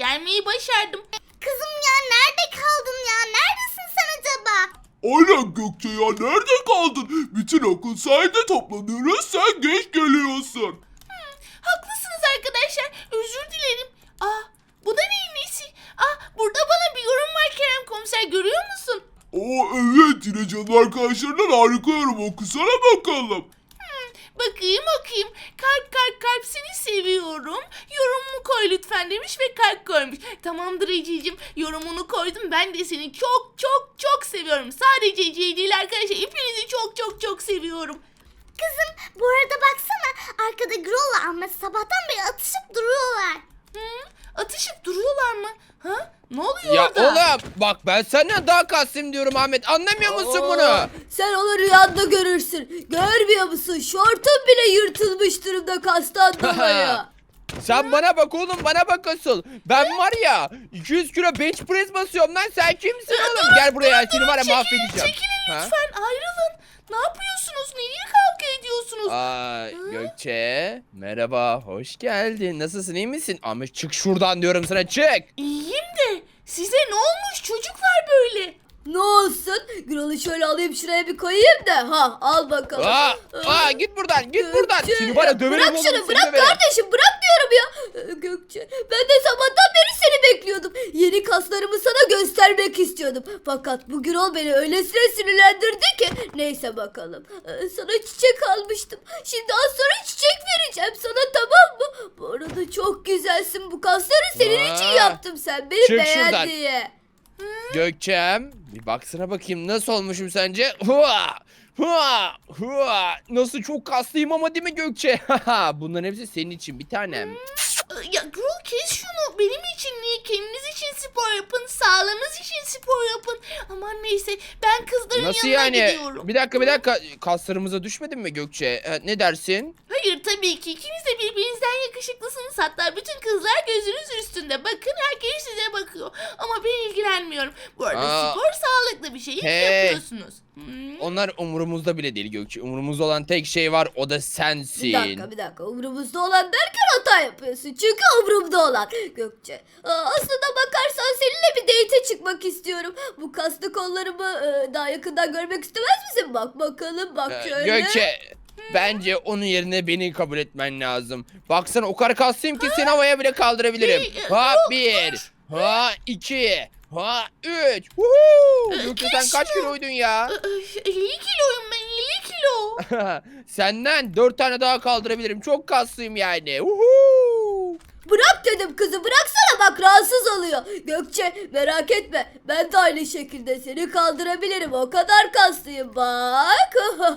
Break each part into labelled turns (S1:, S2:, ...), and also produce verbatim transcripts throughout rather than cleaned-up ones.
S1: gelmeyi başardım.
S2: Kızım ya nerede kaldın ya? Neredesin sen acaba?
S3: Aynen Gökçe ya, nerede kaldın? Bütün okul sayede toplanıyoruz, sen geç geliyorsun.
S1: Hmm, haklısınız arkadaşlar. Özür dilerim. Aa, bu da neyin nesi? Aa, burada bana bir yorum var Kerem Komiser, görüyor musun?
S3: Oo evet, yine canım arkadaşlarından harika yorum, okusana bakalım.
S1: Bakayım okuyayım. Kalp kalp kalp seni seviyorum. Yorumumu koy lütfen demiş ve kalp koymuş. Tamamdır Ececiğim, yorumunu koydum. Ben de seni çok çok çok seviyorum. Sadece Ece'yi değil arkadaşlar. Hepinizi çok çok çok seviyorum.
S2: Kızım bu arada baksana arkada Grol'la Ahmet sabahtan beri atışıp duruyorlar.
S1: Hı? Atışıp duruyorlar mı? Ha? Ne oluyor
S4: Ya
S1: orada?
S4: oğlum bak, ben senden daha kastım diyorum Ahmet, anlamıyor musun bunu?
S5: Sen onu rüyanda görürsün. Görmüyor musun? Şortun bile yırtılmış durumda kastan dolayı.
S4: Sen bana bak oğlum, bana bak asıl. Ben var ya iki yüz kilo bench press basıyorum lan, sen kimsin oğlum? Gel buraya, seni var ya
S1: Çekilin,
S4: mahvedeceğim.
S1: çekilin
S4: Ha?
S1: lütfen, ayrılın. Ne yapıyorsunuz? Nereye kavga ediyorsunuz?
S4: Aa, Gökçe merhaba, hoş geldin. Nasılsın, iyi misin? Ahmet çık şuradan diyorum sana, çık.
S1: İyiyim de size ne olmuş çocuklar böyle?
S5: Ne olsun? Grol'u şöyle alayım şuraya bir koyayım da. Ha al bakalım.
S4: Aa, aa git buradan, git buradan.
S5: Gökçe,
S4: Seni var ya döverim
S5: bırak
S4: oğlum,
S5: şunu
S4: seni
S5: bırak
S4: döverim.
S5: kardeşim, bırak diyorum ya. Ee, Gökçe, ben de sabahtan beri seni bekliyordum. Yeni kaslarımı sana göstermek istiyordum. Fakat bu Grol beni öylesine sinirlendirdi ki. Neyse bakalım. Ee, sana çiçek almıştım. Şimdi az sonra çiçek vereceğim sana, tamam mı? Bu arada çok güzelsin, bu kasları senin
S4: Aa,
S5: için yaptım, sen beni
S4: çık
S5: beğen
S4: şuradan.
S5: diye.
S4: Gökçem, bir baksana bakayım nasıl olmuşum sence? Hua! Hua! Hua! Nasıl çok kaslıyım ama, değil mi Gökçe? Bunların hepsi senin için bir tanem.
S1: Ya Gürol, kes şunu. Benim için değil, kendiniz için spor yapın. Sağlığınız için spor yapın. Aman neyse, ben kızların
S4: Nasıl
S1: yanına
S4: yani?
S1: gidiyorum.
S4: Bir dakika bir dakika, kaslarımıza düşmedin mi Gökçe? Ee, ne dersin?
S1: Hayır tabii ki, ikiniz de birbirinizden yakışıklısınız. Hatta bütün kızlar gözünüz üstünde. Bakın, herkes size bakıyor. Ama ben ilgilenmiyorum. Bu arada
S4: Aa,
S1: spor sağlıklı bir şey. İyi
S4: hey.
S1: yapıyorsunuz. Hmm.
S4: Onlar umurumuzda bile değil Gökçe. Umurumuzda olan tek şey var, o da sensin.
S5: Bir dakika bir dakika, umurumuzda olan derken hata yapıyorsun. Çünkü umurumda olan Gökçe. Aa, aslında bakarsan seninle bir date'e çıkmak istiyorum. Bu kaslı kollarımı e, daha yakından görmek istemez misin? Bak bakalım, bak
S4: Ee,
S5: şöyle.
S4: Gökçe, bence onun yerine beni kabul etmen lazım. Baksana o kadar kaslıyım ki seni havaya bile kaldırabilirim.
S1: Hey,
S4: Ha
S1: yok,
S4: bir, ha iki, ha üç. Woohoo!
S1: Ee,
S4: Gökçe
S1: geç
S4: sen kaç
S1: şunu.
S4: kiloydun ya?
S1: elli kiloyum ben, elli kilo.
S4: Senden dört tane daha kaldırabilirim. Çok kaslıyım yani. Woohoo!
S5: Bırak dedim kızı, bıraksana, bak rahatsız oluyor. Gökçe merak etme, ben de aynı şekilde seni kaldırabilirim. O kadar kaslıyım bak.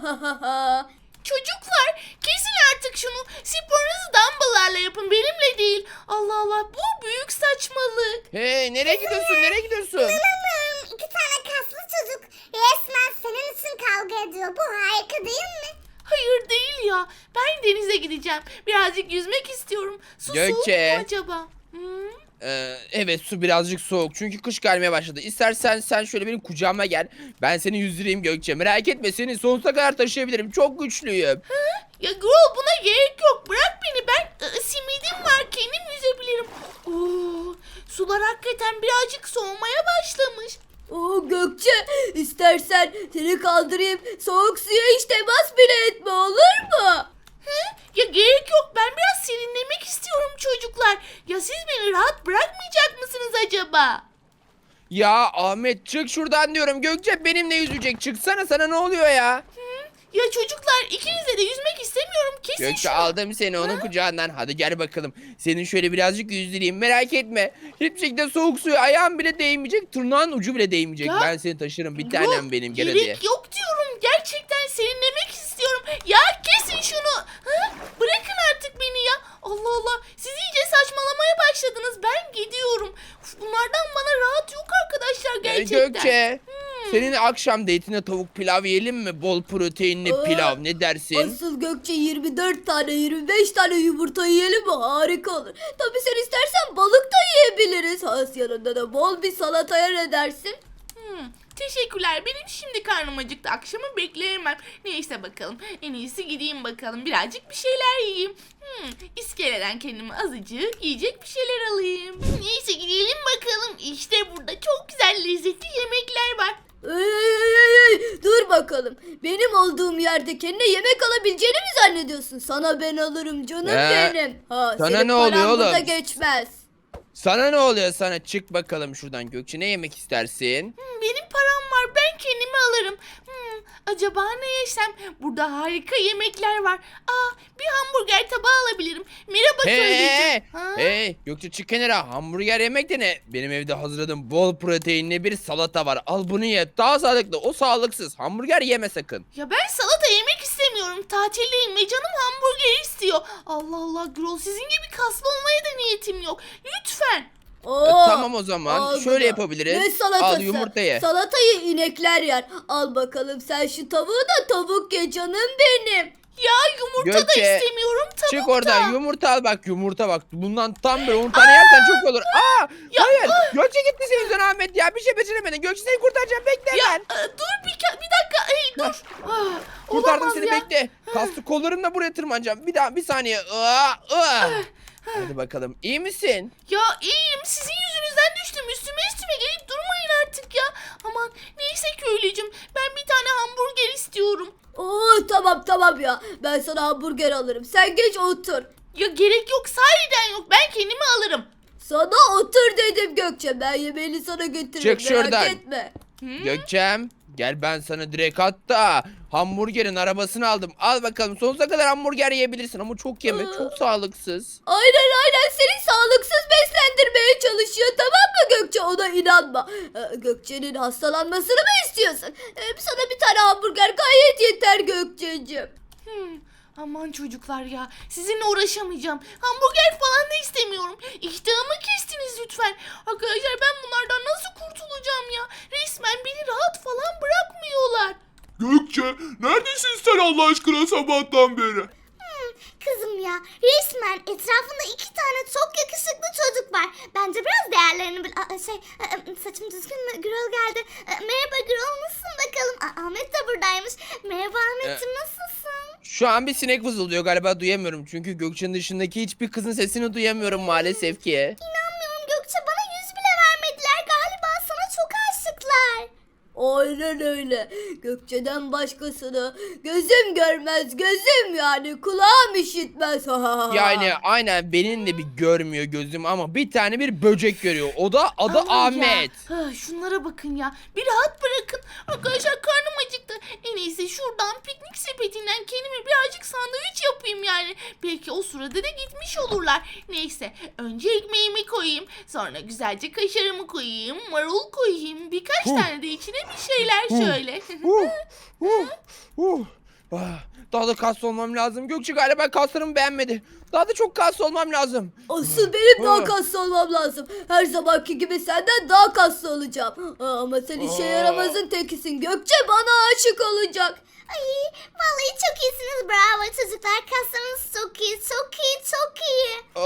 S1: Çocuklar, kesin artık şunu. Sporunuzu dumbbell'larla yapın, benimle değil. Allah Allah, bu büyük saçmalık.
S4: Hey, nereye gidiyorsun? Nereye gidiyorsun?
S2: İnanamıyorum, iki tane kaslı çocuk resmen senin için kavga ediyor. Bu harika değil mi?
S1: Hayır değil ya. Ben denize gideceğim. Birazcık yüzmek istiyorum. Su soğuk
S4: Gökçe.
S1: mu acaba? Hmm?
S4: Ee, evet, su birazcık soğuk çünkü kış gelmeye başladı. İstersen sen şöyle benim kucağıma gel. Ben seni yüzdüreyim Gökçe. Merak etme, seni sonsuza kadar taşıyabilirim. Çok güçlüyüm.
S1: Ya Grol, buna gerek yok. Bırak beni, ben ı, simidim var. Kendim yüzebilirim. Oo, sular hakikaten birazcık soğumaya başlamış.
S5: Oo Gökçe, istersen seni kaldırayım, soğuk suya hiç temas bile etme, olur mu?
S1: Hı? Ya gerek yok. Ben biraz serinlemek istiyorum çocuklar. Ya siz beni rahat bırakmayacak mısınız acaba?
S4: Ya Ahmet, çık şuradan diyorum. Gökçe benimle yüzecek. Çıksana, sana ne oluyor ya?
S1: Ya çocuklar, ikinizle de yüzmek istemiyorum. Kesin
S4: Gökçe,
S1: şunu.
S4: aldım seni onun kucağından. Hadi gel bakalım. Senin şöyle birazcık yüzdüreyim. Merak etme. Hiçbir şekilde soğuk suya ayağın bile değmeyecek. Tırnağın ucu bile değmeyecek.
S1: Ya,
S4: Ben seni taşırım. Bir
S1: Yok,
S4: tanem benim. Gel hadi.
S1: gerek yok diyorum. Gerçekten serinlemek istiyorum. Ya kesin şunu. Hı? Bırakın artık beni ya. Allah Allah. Siz iyice saçmalamaya başladınız. Ben gidiyorum. Uf, bunlardan bana rahat yok arkadaşlar
S4: Ee,
S1: gerçekten.
S4: Gökçe,
S1: Hmm.
S4: senin akşam date'ine tavuk pilav yiyelim mi? Bol proteinli
S5: Aa,
S4: pilav. Ne dersin?
S5: Asıl Gökçe, yirmi dört tane yirmi beş tane yumurta yiyelim mi? Harika olur. Tabii sen istersen balık da yiyebiliriz. Has yanında da bol bir salataya, ne dersin?
S1: Hmm. Teşekkürler. Benim şimdi karnım acıktı. Akşamı bekleyemem. Neyse bakalım. En iyisi gideyim bakalım. Birazcık bir şeyler yiyeyim. Hmm, iskeleden kendime azıcık yiyecek bir şeyler alayım. Neyse gidelim bakalım. İşte burada çok güzel lezzetli yemekler var.
S5: Ey, ey, ey, ey, dur bakalım. Benim olduğum yerde kendine yemek alabileceğini mi zannediyorsun? Sana ben alırım canım
S4: Ee,
S5: benim. Ha,
S4: sana
S5: senin
S4: ne oluyor
S5: paran burada
S4: oğlum?
S5: geçmez.
S4: Sana ne oluyor sana? Çık bakalım şuradan Gökçe. Ne yemek istersin?
S1: Hmm, benim param var. Ben kendime alırım. Hmm, acaba ne yesem? Burada harika yemekler var. Aa, bir hamburger tabağı alabilirim. Merhaba
S4: Hey,
S1: köylücüm.
S4: hey,
S1: Ha?
S4: hey, Gökçe çık kenara. Hamburger yemek de ne? Benim evde hazırladığım bol proteinli bir salata var. Al bunu ye. Daha sağlıklı. O sağlıksız. Hamburger yeme sakın.
S1: Ya ben salata yemek istemiyorum. Tatildeyim ve canım hamburger istiyor. Allah Allah Gürol, sizin gibi kaslı olmaya da niyetim yok. Lütfen.
S5: Oo,
S4: E, tamam o zaman.
S5: al
S4: Şöyle
S5: bunu.
S4: yapabiliriz.
S5: Ne salatası?
S4: Al yumurta ye.
S5: Salatayı inekler yer. Al bakalım sen şu tavuğu da tavuk ye canım benim.
S1: Ya yumurta
S4: Gökçe,
S1: da istemiyorum, tavuk
S4: Çık
S1: da.
S4: oradan yumurta al bak yumurta bak. Bundan tam böyle on tane yersen çok olur. Aa! Hayır. Gökçe gitti senin yüzünden Ahmet ya. Bir şey beceremedin. Gökçe seni kurtaracağım. Bekle
S1: Ya
S4: ben.
S1: e, dur bir, ka- bir dakika. Hey dur. Ah,
S4: Kurtardım
S1: olamaz
S4: seni
S1: ya.
S4: bekle. Kaslı kollarımla buraya tırmanacağım. Bir daha bir saniye. Aa, aa. Hadi bakalım. İyi misin?
S1: Ya iyiyim, sizin yüzünüzden düştüm. Üstüme üstüme gelip durmayın artık ya. Aman neyse köylücüm, ben bir tane hamburger istiyorum.
S5: Oo tamam tamam ya. Ben sana hamburger alırım. Sen geç otur.
S1: Ya gerek yok, sahiden yok, ben kendimi alırım.
S5: Sana otur dedim Gökçe. Ben yemeğini sana getiririm.
S4: Çık
S5: merak
S4: şuradan.
S5: etme.
S4: Gökçem. Gel ben sana direkt hatta hamburgerin arabasını aldım. Al bakalım sonsuza kadar hamburger yiyebilirsin ama çok yeme. Çok sağlıksız.
S5: Aynen aynen seni sağlıksız beslendirmeye çalışıyor tamam mı Gökçe, ona inanma. Ee, Gökçe'nin hastalanmasını mı istiyorsun? Ee, sana bir tane hamburger gayet yeter Gökçe'cim.
S1: Hmm, aman çocuklar ya, sizinle uğraşamayacağım. Hamburger falan da istemiyorum. İştahımı kestiniz lütfen. Arkadaşlar ben bunlardan nasıl kurtulacağım ya? Resmen beni rahat falan bırakmıyorlar.
S3: Gökçe neredesin sen Allah aşkına sabahtan beri?
S2: Kızım ya, resmen etrafında iki tane çok yakışıklı çocuk var. Bence biraz değerlerini bil... Aa, şey, e, e, saçım düzgün mü? Gürol geldi. E, Merhaba Gürol, nasılsın bakalım? Aa, Ahmet de buradaymış. Merhaba Ahmetciğim, nasılsın?
S4: Şu an bir sinek vızıldıyor galiba duyamıyorum. Çünkü Gökçe'nin dışındaki hiçbir kızın sesini duyamıyorum maalesef ki.
S2: İnanmıyorum Gökçe, bana yüz bile vermediler. Galiba sana çok aşıklar.
S5: Aynen öyle. Gökçe'den başkasını gözüm görmez, gözüm yani kulağım işitmez.
S4: Yani aynen benim de bir görmüyor gözüm ama bir tane bir böcek görüyor. O da adı
S1: Aman
S4: Ahmet.
S1: Ya. Ha, şunlara bakın ya. Bir rahat bırakın. Arkadaşlar karnım acıktı. En iyisi şuradan piknik sepetinden kendime birazcık sandviç yapayım yani. Belki o sırada da gitmiş olurlar. Neyse önce ekmeğimi koyayım. Sonra güzelce kaşarımı koyayım. Marul koyayım. Birkaç
S4: Huh.
S1: tane de içine bir şeyler şöyle.
S4: Uh, uh, uh. Ah, daha da kaslı olmam lazım. Gökçe galiba kaslarımı beğenmedi. Daha da çok kaslı olmam lazım.
S5: Asıl benim daha
S4: Ha.
S5: kaslı olmam lazım. Her zamanki gibi senden daha kaslı olacağım. Aa, ama sen işe
S4: Aa.
S5: yaramazın tekisin. Gökçe bana aşık olacak.
S2: Ay, vallahi çok iyisiniz. Bravo çocuklar. Kaslarınız çok iyi, çok iyi, çok iyi.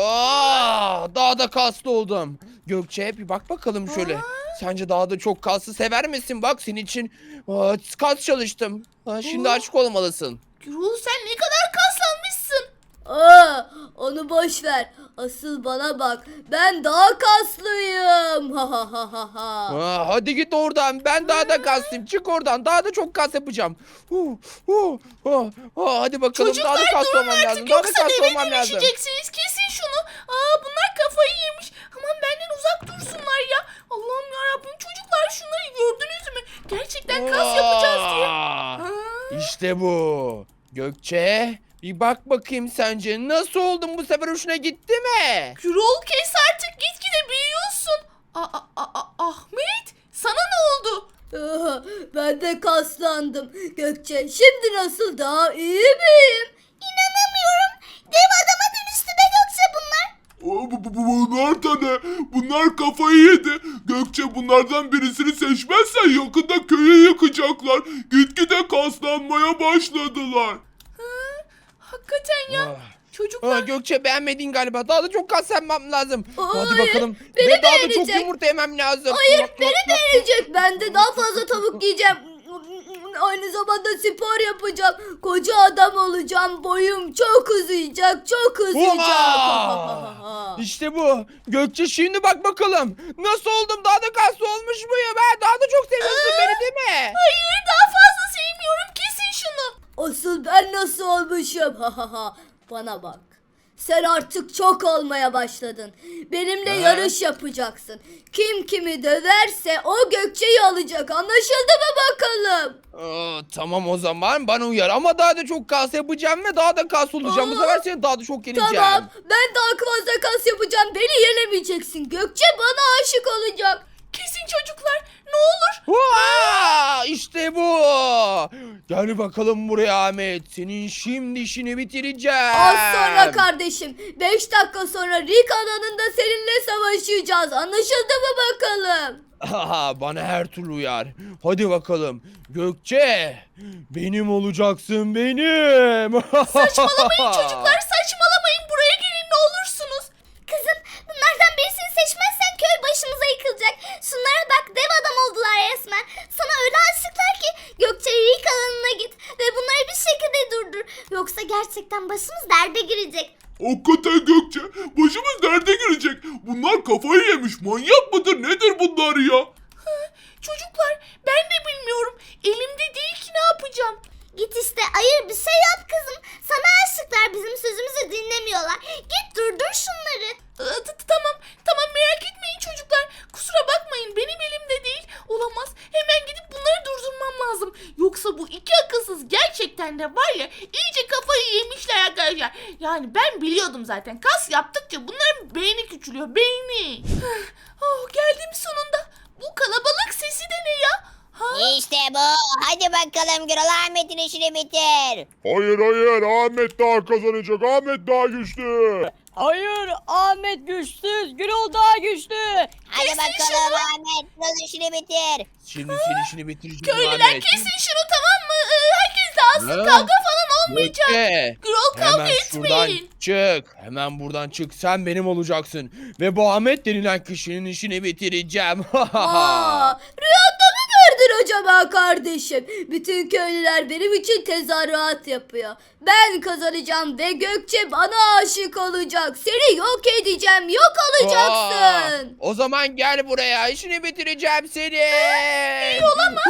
S4: Aa, daha da kaslı oldum. Gökçe bir bak bakalım şöyle. Sence daha da çok kaslı sever misin? Bak senin için aa, kas çalıştım. Ha, şimdi
S1: Aa.
S4: açık olmalısın.
S1: Gürol sen ne kadar kaslanmışsın.
S5: Aa, onu boş ver. Asıl bana bak. Ben daha kaslıyım. Ha ha ha ha ha.
S4: Aa, hadi git oradan. Ben daha da kaslıyım. Çık oradan. Daha da çok kas yapacağım. Uh, uh, uh, uh, hadi bakalım. daha da
S1: Çocuklar
S4: kaslı
S1: durun
S4: olmam
S1: artık
S4: lazım. Daha da
S1: yoksa
S4: kaslı
S1: deve
S4: olmam lazım.
S1: dönüşeceksiniz. Kesin şunu. Aa bunlar kafayı yemiş. Aman benden uzak dursunlar ya. Allah'ım yarabbim çocuklar şunları gördünüz mü? Gerçekten kas yapacağız diye.
S4: Aa,
S1: Aa.
S4: İşte bu. Gökçe bir bak bakayım sence. Nasıl oldun bu sefer hoşuna gitti mi?
S1: Gürol kes artık, gitgide büyüyorsun. Aa, aa, aa, Ahmet sana ne oldu?
S5: Aa, ben de kaslandım. Gökçe şimdi nasıl, daha iyi miyim?
S2: İnanamıyorum. Dev adama dönüştü be Gökçe bunlar.
S3: Aa, bu- bu- bu- Bunlar da ne? Bunlar kafayı yedi. Gökçe bunlardan birisini seçmezsen yakında köyü yıkacaklar. Gitgide kaslanmaya başladılar.
S1: Hakikaten ya.
S4: Ah,
S1: Çocuklar
S4: Aa, Gökçe beğenmedin galiba. Daha da çok kas yapmam lazım. Hadi
S5: Hayır,
S4: bakalım.
S5: beni
S4: Ve daha da çok
S5: beğenecek.
S4: yumurta yemem lazım.
S5: Hayır
S4: Yok, yok,
S5: beni
S4: yok.
S5: beğenecek. Ben de daha fazla tavuk yiyeceğim. Aynı zamanda spor yapacağım. Koca adam olacağım. Boyum çok uzayacak. Çok uzayacak.
S4: Oha! İşte bu. Gökçe şimdi bak bakalım. Nasıl oldum? Daha da kaslı olmuş muyum? Ben daha da çok seviyorsun beni değil mi?
S1: hayır daha fazla sevmiyorum. Kesin şunu.
S5: Asıl ben nasıl olmuşum? Ha ha ha. Bana bak. Sen artık çok olmaya başladın. Benimle
S4: Ha?
S5: yarış yapacaksın. Kim kimi döverse o Gökçe'yi alacak. Anlaşıldı mı bakalım?
S4: Aa, tamam o zaman bana uyar ama daha da çok kas yapacağım ve daha da kas olacağım. Bu
S5: Aa,
S4: sefer seni daha da çok yeneceğim.
S5: Tamam. Ben daha fazla kas yapacağım. Beni yenemeyeceksin. Gökçe bana aşık olacak.
S1: Kesin çocuklar. Ne olur.
S4: Vaa! İşte bu. Gel bakalım buraya Ahmet. Senin şimdi işini bitireceğim.
S5: Az sonra kardeşim. Beş dakika sonra Rick alanında seninle savaşacağız. Anlaşıldı mı bakalım?
S4: Aha, bana her türlü uyar. Hadi bakalım. Gökçe. Benim olacaksın benim.
S1: Saçmalamayın çocuklar. Saçmalamayın. Buraya gelin ne olursunuz.
S2: Kızım bunlardan birisini seçmezsen köy başımıza yıkılacak. Şunlara bak dev adam oldular resmen. Sana öyle aşıklar ki Gökçe ilk alanına git ve bunları bir şekilde durdur. Yoksa gerçekten başımız derde girecek.
S3: Hakikaten Gökçe başımız derde girecek. Bunlar kafayı yemiş. Manyak mıdır nedir bunlar ya?
S1: Çocuklar ben de bilmiyorum. Elimde değil ki ne yapacağım.
S2: Git işte ayır bir şey yap kızım. Sana aşıklar bizim sözümüzü dinlemiyorlar. Git durdur şunları.
S1: Ee, t- t- Tamam tamam merak etmeyin çocuklar. Kusura bakmayın benim elimde değil. Olamaz. Hemen gidip bunları durdurmam lazım. Yoksa bu iki akılsız gerçekten de var ya iyice kafayı yemişler arkadaşlar. Yani ben biliyordum zaten. Kas yaptıkça bunların beyni küçülüyor. Beyni. Oh geldim sonunda. Bu kalabalık sesi de ne ya? Ha?
S6: İşte bu. Hadi bakalım Gürol, Ahmet'in işini bitir.
S3: Hayır hayır Ahmet daha kazanacak. Ahmet daha güçlü.
S7: Hayır, Ahmet güçsüz, Gürol daha güçlü.
S6: Hadi bakalım Ahmet, Gürol'un işini bitir.
S4: Şimdi senin işini bitireceğim
S1: Köylüler
S4: Ahmet.
S1: kesin şunu tamam mı? Ee, herkes dağılsın.
S4: Ha?
S1: Kavga falan olmayacak.
S4: Gökçe.
S1: Gürol kavga
S4: Hemen şuradan
S1: etmeyin.
S4: çık. Hemen buradan çık. Sen benim olacaksın. Ve bu Ahmet denilen kişinin işini bitireceğim.
S5: Aa, rüyanda mı gördün acaba kardeşim? Bütün köylüler benim için tezahürat yapıyor. Ben kazanacağım ve Gökçe bana aşık olacak. Seni yok edeceğim, yok olacaksın.
S4: Aa, o zaman gel buraya. İşini bitireceğim seni. İyi olamaz.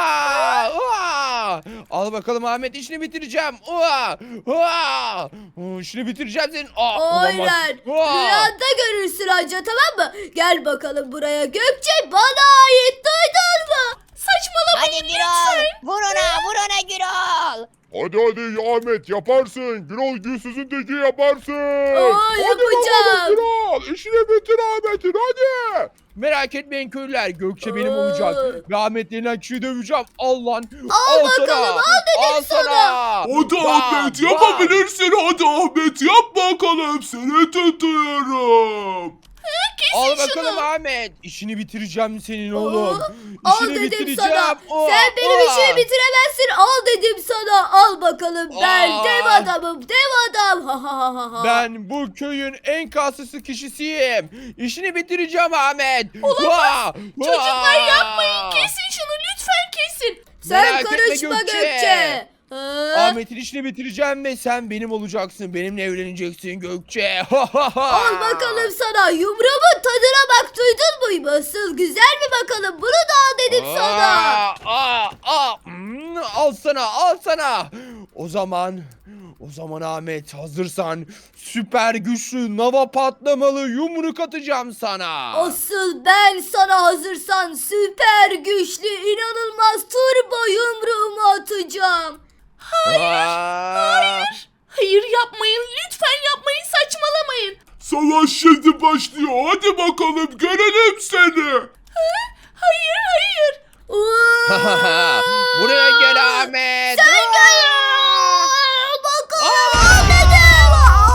S4: Al bakalım Ahmet, işini bitireceğim. Aa, aa, işini bitireceğim senin. Aa, olamaz.
S5: Aynen.
S4: Aa.
S5: Rüyanda görürsün anca, tamam mı? Gel bakalım buraya. Gökçe bana ait, duydun mu?
S1: Saçmalamayın
S6: Hadi Gürol, vur ona, vur ona Gürol.
S3: Hadi hadi Ahmet yaparsın. Gürol güçsüzün teki yaparsın.
S5: Aa,
S3: Hadi
S5: yapacağım.
S3: bakalım Gürol. İşini bitir Ahmet'in hadi.
S4: Merak etmeyin köylüler. Gökçe benim
S5: Aa.
S4: olacak. Ve Ahmet denilen kişiyi döveceğim. Al lan.
S5: Al bakalım,
S4: sana.
S5: al dedim
S4: al
S5: sana.
S4: sana.
S3: Hadi
S4: Bam,
S3: Ahmet
S4: bam.
S3: yapabilirsin. Hadi Ahmet yap bakalım. Seni tutuyorum.
S4: Al bakalım Ahmet. İşini bitireceğim senin oğlum.
S5: Al
S4: İşini
S5: dedim
S4: bitireceğim.
S5: sana.
S4: Aa,
S5: Sen benim
S4: aa.
S5: işimi bitiremezsin. Al dedim sana. Al bakalım. Ben
S4: Aa.
S5: dev adamım. Dev adam. Ha ha ha ha.
S4: Ben bu köyün en kaslısı kişisiyim. İşini bitireceğim Ahmet. Olamaz.
S1: Çocuklar yapmayın. Kesin şunu lütfen kesin.
S5: Sen
S4: Merak etme
S5: karışma
S4: Gökçe.
S5: Gökçe. Ha?
S4: Ahmet'in işini bitireceğim ve sen benim olacaksın. Benimle evleneceksin Gökçe.
S5: Al bakalım sana. Yumruğumun tadına bak. Duydun mu? Nasıl güzel mi bakalım? Bunu da al dedim sana.
S4: Aa, aa, aa. Hmm, al sana, al sana. O zaman, o zaman Ahmet hazırsan süper güçlü lava patlamalı yumruk atacağım sana.
S5: Asıl ben sana hazırsan süper güçlü inanılmaz turbo yumruğumu atacağım.
S4: Hayır, hayır.
S1: Hayır yapmayın. Lütfen yapmayın. Saçmalamayın.
S3: Savaş şimdi başlıyor. Hadi bakalım görelim seni.
S1: Hayır hayır.
S5: Aa!
S4: Buraya gel Ahmet.
S5: Sen gel. Bakalım al dedim.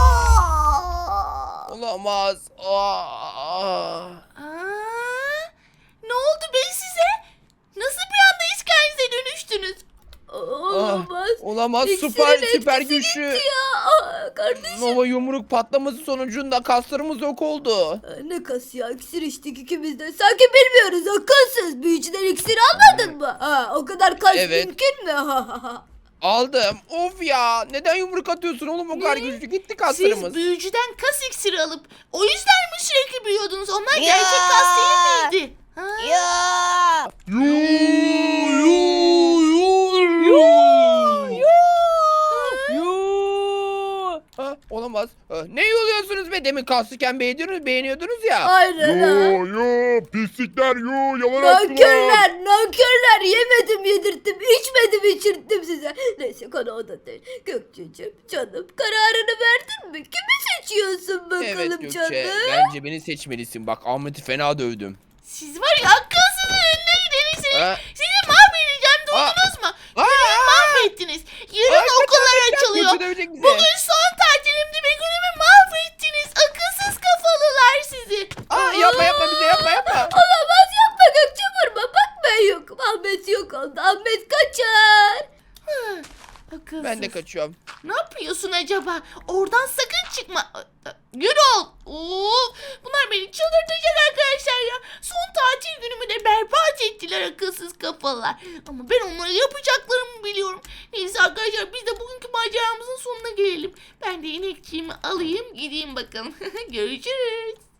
S5: Aa!
S4: Olamaz. Aa.
S1: Aa, ne oldu be size? Nasıl bir anda iskelenize dönüştünüz?
S5: Olamaz.
S4: Olamaz.
S5: İksinin
S4: Süper
S5: etkisi
S4: süper
S5: gitti
S4: güçlü.
S5: ya. Aa, ya kardeşim?
S4: Nova yumruk patlaması sonucunda kaslarımız yok oldu.
S5: Aa, ne kas ya, iksir içtik ikimiz de. Sanki bilmiyoruz, akılsız. Büyücüden iksir almadın mı? Ha, o kadar kas
S4: Evet.
S5: mümkün mü? Ha, ha, ha.
S4: Aldım. Of ya. Neden yumruk atıyorsun oğlum o kadar güçlü? Gitti kaslarımız.
S1: Siz büyücüden kas iksiri alıp o yüzden mi sürekli büyüyordunuz? Onlar
S6: Ya.
S1: gerçek kas değil miydi? Ha?
S6: Ya.
S3: Yoo, yoo, yoo.
S7: Yoo.
S4: Ha, olamaz. Ha, ne yoluyorsunuz be? Demin kaslıken beğeniyordunuz, beğeniyordunuz ya.
S5: Aynen ha.
S3: Yo yo pislikler yo yalan attılar.
S5: Nankörler, nankörler. Yemedim, yedirttim, içmedim, içirttim size. Neyse, konu o da değil. Gökçe'cim, canım, kararını verdin mi? Kimi seçiyorsun bakalım
S4: Evet Gökçe.
S5: canım?
S4: Bence beni seçmelisin. Bak Ahmet'i fena dövdüm.
S1: Siz var ya akılsızın önüne gideriz. Sizi,
S4: Ha?
S1: sizi mahvedeceğim duydunuz mu?
S4: Aa!
S1: Beni mahvettiniz. Yarın
S4: Ay,
S1: okullar
S4: kaçar, kaçar,
S1: açılıyor.
S4: Gökçe dövecek bizi.
S1: Bugün son tatilimdi ve günümü mahvettiniz. Akılsız kafalılar sizi.
S4: Aa, yapma yapma bize yapma yapma.
S5: Olamaz, yapma Gökçe, vurma. Bak ben yokum. Ahmet yok oldu. Ahmet kaçar.
S1: Hı, akılsız.
S4: Ben de kaçıyorum.
S1: Ne yapıyorsun acaba? Oradan sakın çıkma. Gürol. Of, bunlar beni çıldırtacak arkadaşlar ya. Son tatil günümü de berbat ettiler akılsız kafalar. Ama ben onlara yapacaklarımı biliyorum. Neyse arkadaşlar, biz de bugünkü maceramızın sonuna gelelim. Ben de inekçiğimi alayım gideyim bakalım. Görüşürüz.